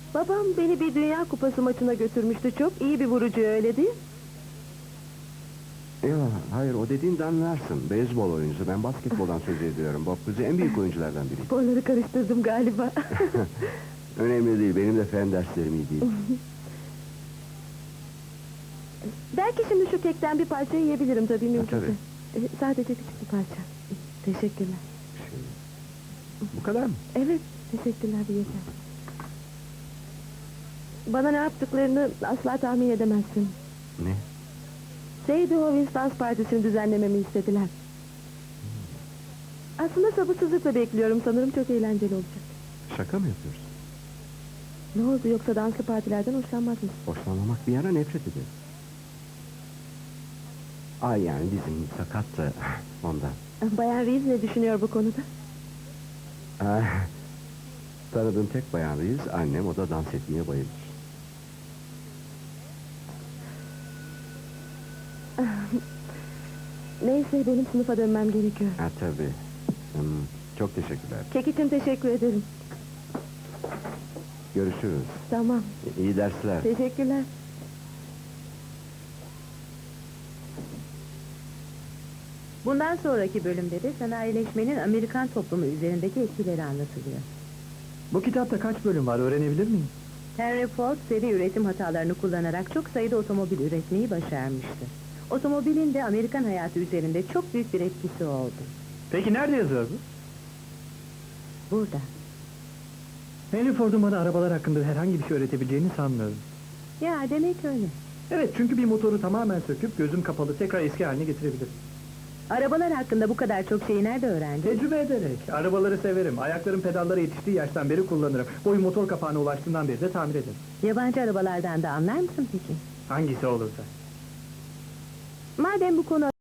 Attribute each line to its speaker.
Speaker 1: Babam beni bir Dünya Kupası maçına götürmüştü, çok iyi bir vurucu, öyle değil mi?
Speaker 2: Yok, hayır, o dediğin Dan Larson, beyzbol oyuncusu. Ben basketboldan söz ediyorum. Bob Cousy en büyük oyunculardan biri.
Speaker 1: Sporları karıştırdım galiba.
Speaker 2: Önemli değil, benim de fen derslerim iyi değil.
Speaker 1: Belki şimdi şu kekten bir parça yiyebilirim tabii, mümkünse.
Speaker 2: tabii.
Speaker 1: Sadece küçük bir parça. Teşekkürler.
Speaker 2: Bu kadar mı?
Speaker 1: Evet, teşekkürler, bir yeter. Bana ne yaptıklarını asla tahmin edemezsin.
Speaker 2: Ne?
Speaker 1: Sadie Hovins dans partisini düzenlememi istediler. Aslında sabırsızlıkla bekliyorum, sanırım çok eğlenceli olacak.
Speaker 2: Şaka mı yapıyorsun?
Speaker 1: Ne oldu, yoksa danslı partilerden hoşlanmaz mısın?
Speaker 2: Hoşlanmamak bir yana, nefret ederim. Ay, yani bizim sakat da ondan.
Speaker 1: Bayan Reeves ne düşünüyor bu konuda?
Speaker 2: Tanıdığım tek bayan Reeves, annem, o da dans etmeye bayılır.
Speaker 1: Neyse, benim sınıfa dönmem gerekiyor.
Speaker 2: Tabii. Çok teşekkürler.
Speaker 1: Kek için teşekkür ederim.
Speaker 2: Görüşürüz.
Speaker 1: Tamam,
Speaker 2: İyi dersler.
Speaker 1: teşekkürler.
Speaker 3: Bundan sonraki bölümde de sanayileşmenin Amerikan toplumu üzerindeki etkileri anlatılıyor.
Speaker 4: Bu kitapta kaç bölüm var, öğrenebilir miyim?
Speaker 3: Henry Ford seri üretim hatalarını kullanarak çok sayıda otomobil üretmeyi başarmıştı. Otomobilin de Amerikan hayatı üzerinde çok büyük bir etkisi oldu.
Speaker 4: Peki nerede yazıyor bu?
Speaker 3: Burada.
Speaker 4: Henry Ford'un bana arabalar hakkında herhangi bir şey öğretebileceğini sanmıyorum.
Speaker 3: Ya demek öyle.
Speaker 4: Evet, çünkü bir motoru tamamen söküp gözüm kapalı tekrar eski haline getirebilir.
Speaker 3: Arabalar hakkında bu kadar çok şeyi nerede öğrendin?
Speaker 4: Tecrübe ederek. Arabaları severim. Ayaklarım pedallara yetiştiği yaştan beri kullanırım. Boyum motor kapağına ulaştığından beri de tamir ederim.
Speaker 3: Yabancı arabalardan da anlar mısın peki?
Speaker 4: Hangisi olursa.
Speaker 1: Madem bu konu